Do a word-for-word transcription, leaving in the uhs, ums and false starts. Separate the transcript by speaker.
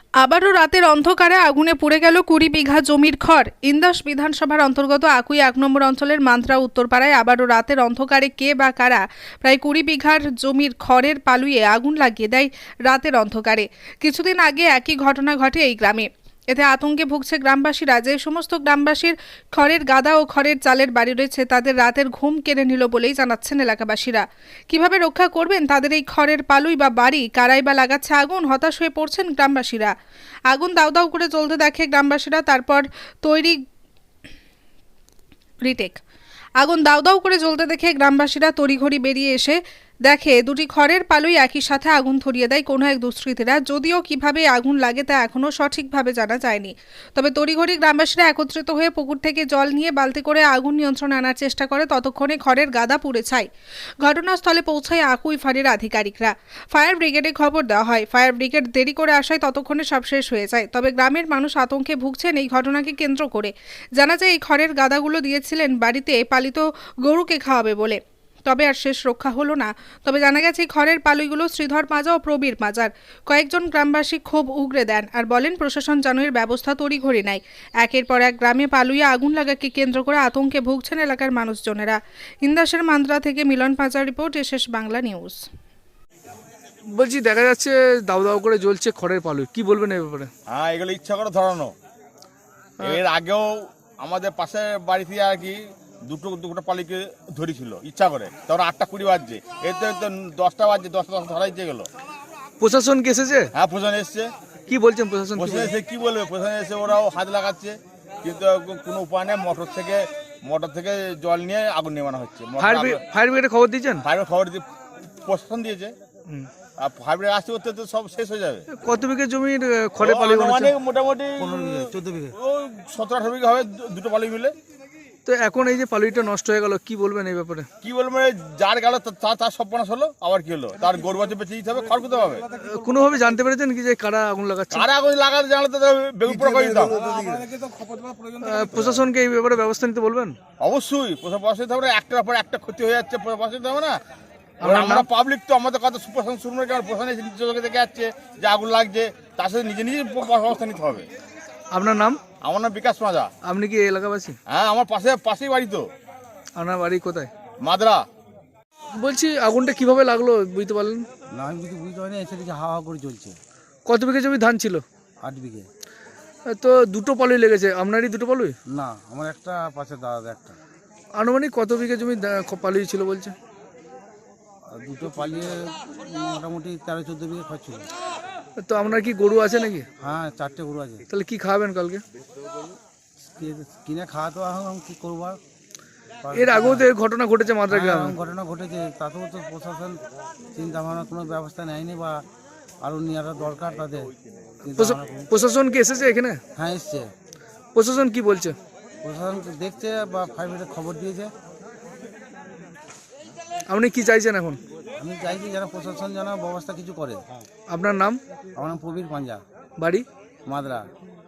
Speaker 1: আবারও রাতের অন্ধকারে আগুনে পুড়ে গেল কুড়ি বিঘা জমির খড়। ইন্দাস বিধানসভার অন্তর্গত আকুই এক নম্বর অঞ্চলের মান্ত্রা উত্তরপাড়ায় আবারও রাতের অন্ধকারে কে বা কারা প্রায় কুড়ি বিঘার জমির খড়ের পালুয়ে আগুন লাগিয়ে দেয় রাতের অন্ধকারে। কিছুদিন আগে একই ঘটনা ঘটে এই গ্রামে। এতে আতঙ্কে ভুগছে গ্রামবাসীরা। যে সমস্ত গ্রামবাসীর খড়ের গাদা ও খড়ের চালের বাড়ি রয়েছে তাদের রাতের ঘুম কেড়ে নিল বলেই জানাচ্ছেন এলাকাবাসীরা। কিভাবে রক্ষা করবেন তাদের এই খড়ের পালুই বা বাড়ি? কারাই বা লাগাচ্ছে আগুন? হতাশ হয়ে পড়ছেন গ্রামবাসীরা। আগুন দাউ দাউ করে জ্বলতে দেখে গ্রামবাসীরা তারপর তৈরি রিটেক আগুন দাউ দাউ করে জ্বলতে দেখে গ্রামবাসীরা তড়িঘড়ি বেরিয়ে এসে দেখে দুটি খড়ের পালুই একই সাথে আগুন ধরিয়ে দেয় কোনো এক দুষ্কৃতীরা। যদিও কিভাবে আগুন লাগে তা এখনও সঠিকভাবে জানা যায়নি। তবে তড়িঘড়ি গ্রামবাসীরা একত্রিত হয়ে পুকুর থেকে জল নিয়ে বালতি করে আগুন নিয়ন্ত্রণে আনার চেষ্টা করে। ততক্ষণে খড়ের গাদা পুড়ে ছাই। ঘটনাস্থলে পৌঁছায় আকুই ফাঁড়ির আধিকারিকরা। ফায়ার ব্রিগেডে খবর দেওয়া হয়। ফায়ার ব্রিগেড দেরি করে আসায় ততক্ষণে সব শেষ হয়ে যায়। তবে গ্রামের মানুষ আতঙ্কে ভুগছেন এই ঘটনাকে কেন্দ্র করে। জানা যায় এই খড়ের গাদাগুলো দিয়েছিলেন বাড়িতে পালিত গরুকে খাওয়াবে বলে। তবে আর শেষ রক্ষা হলো না। তবে জানা গেছে খড়ের পালুইগুলো শ্রীধর মাজা ও প্রবীর মাজার। কয়েকজন গ্রামবাসী ক্ষোভ উগরে দেন আর বলেন প্রশাসন যেন এর ব্যবস্থা তড়িঘড়ি নেয়। একের পর এক গ্রামে পালুইয়ে আগুন লাগাকে কেন্দ্র করে আতঙ্কে ভুগছেন এলাকার মানুষজনেরা। ইন্দাসের মান্দ্রা থেকে মিলন পাঁচার রিপোর্ট, এসএস বাংলা নিউজ।
Speaker 2: বলছি দেখা যাচ্ছে দাউ দাউ করে জ্বলছে খড়ের পালুই, কি বলবেন এই ব্যাপারে?
Speaker 3: হ্যাঁ, এগুলো ইচ্ছা করে ধরানো। এর আগেও আমাদের পাশের বাড়িতে আর কি দুটো দুটো পালিকে ধরেছিল ইচ্ছা করে, তখন আটটা কুড়ি বাজছে, এতে তো দশটা বাজছে, দশটা দশটা ধরাইতে গেল।
Speaker 2: প্রশাসন কি এসেছে?
Speaker 3: হ্যাঁ, প্রশাসন এসছে।
Speaker 2: কি বলছেন প্রশাসন?
Speaker 3: প্রশাসন এসে কি বলবে? প্রশাসন এসে ওরাও হাত লাগাচ্ছে, কিন্তু কোনো উপায় নেই। মোটর থেকে মোটর থেকে জল নিয়ে আগুন নেমানো হচ্ছে।
Speaker 2: ফায়ার ব্রিগেডে খবর দিয়েছেন?
Speaker 3: ফায়ার খবর দিয়ে প্রশাসন দিয়েছে। আর ফায়ার ব্রিগেড আসতে করতে তো সব শেষ হয়ে যাবে।
Speaker 2: কত বিঘা জমির খড়ের পালুই?
Speaker 3: অনেক, মোটামুটি চোদ্দ বিঘা, ও সতেরো আঠারো বিঘা হবে দুটো পালুই মিলে।
Speaker 2: তো এখন এই যে পালুইটা নষ্ট হয়ে গেল, কি বলবেন এই ব্যাপারে?
Speaker 3: কি বলবো, যার গেল তার তার সর্বনাশ হলো। আবার কি হলো? তার গরু বাচ্চা বেঁচে দিতে হবে, খড় করতে হবে।
Speaker 2: কোনোভাবে জানতে পেরেছেন কি যে কারা আগুন লাগাচ্ছে?
Speaker 3: কারা আগুন লাগাতে জানলে তো বেগুন পোড়া করে দিতাম।
Speaker 2: প্রশাসনকে এই ব্যাপারে ব্যবস্থা নিতে বলবেন?
Speaker 3: অবশ্যই প্রশাসন থাকবে। একটার পর একটা ক্ষতি হয়ে যাচ্ছে, প্রশাসন থাকবে না। আমরা পাবলিক তো আমাদের কথা প্রশাসন শুরু করে, প্রশাসন এসে নিজে চোখে দেখে যাচ্ছে যে আগুন লাগছে, তার সাথে নিজে নিজে ব্যবস্থা নিতে হবে।
Speaker 2: আপনার নাম?
Speaker 3: আমার নাম বিকাশ মাজা।
Speaker 2: আপনি কি এলাকাবাসী?
Speaker 3: হ্যাঁ, আমার পাশে পাশেই বাড়ি তো।
Speaker 2: আপনার বাড়ি কোথায়?
Speaker 3: মাদ্রা।
Speaker 2: বলছি আগুনটা কিভাবে লাগলো বুঝতে পারলেন?
Speaker 4: না, আমি কিছু বুঝতে পারিনি। এসে দেখি হাওয়া করে জ্বলছে।
Speaker 2: কত বিঘা জমি ধান ছিল?
Speaker 4: আট বিঘে।
Speaker 2: তো দুটো পালুই লেগেছে। আপনারই দুটো পালুই?
Speaker 4: না, আমার একটা, পাশে দাদা একটা।
Speaker 2: আনুমানিক কত বিঘা জমি পালুই ছিল বলছে?
Speaker 4: আর দুটো পালিয়ে মোটামুটি তেরো চোদ্দো বিঘে খরচ ছিল।
Speaker 2: তো আপনার কি গরু আছে নাকি?
Speaker 4: হ্যাঁ, চারটে গরু আছে।
Speaker 2: তাহলে কি খাওয়াবেন কালকে?
Speaker 4: কি- কিনে খাওয়া তো এখন কী করবো আর।
Speaker 2: এর আগেও তো এই ঘটনা ঘটেছে মাদ্রা
Speaker 4: হ্যাঁ,
Speaker 2: গ্রামে।
Speaker 4: এরকম ঘটনা ঘটেছে, তাতেও তো প্রশাসন চিন্তা ভাবনা কোনো ব্যবস্থা নেয়নি, বা আরও নেওয়াটা দরকার তাদের। কিন্তু
Speaker 2: প্রশা-
Speaker 4: আমরা কোনো-
Speaker 2: প্রশাসন কি এসেছে এখানে?
Speaker 4: হ্যাঁ, এসছে।
Speaker 2: প্রশাসন কি বলছে?
Speaker 4: প্রশাসন তো দেখছে বা ফায়ার ব্রিগেডে খবর দিয়েছে।
Speaker 2: আপনি কি চাইছেন এখন?
Speaker 4: আমি চাইছি যেন প্রশাসন যেন ব্যবস্থা কিছু করে।
Speaker 2: আপনার নাম?
Speaker 4: আমার নাম প্রবীর পাঞ্জা,
Speaker 2: বাড়ি?
Speaker 4: মাদ্রা।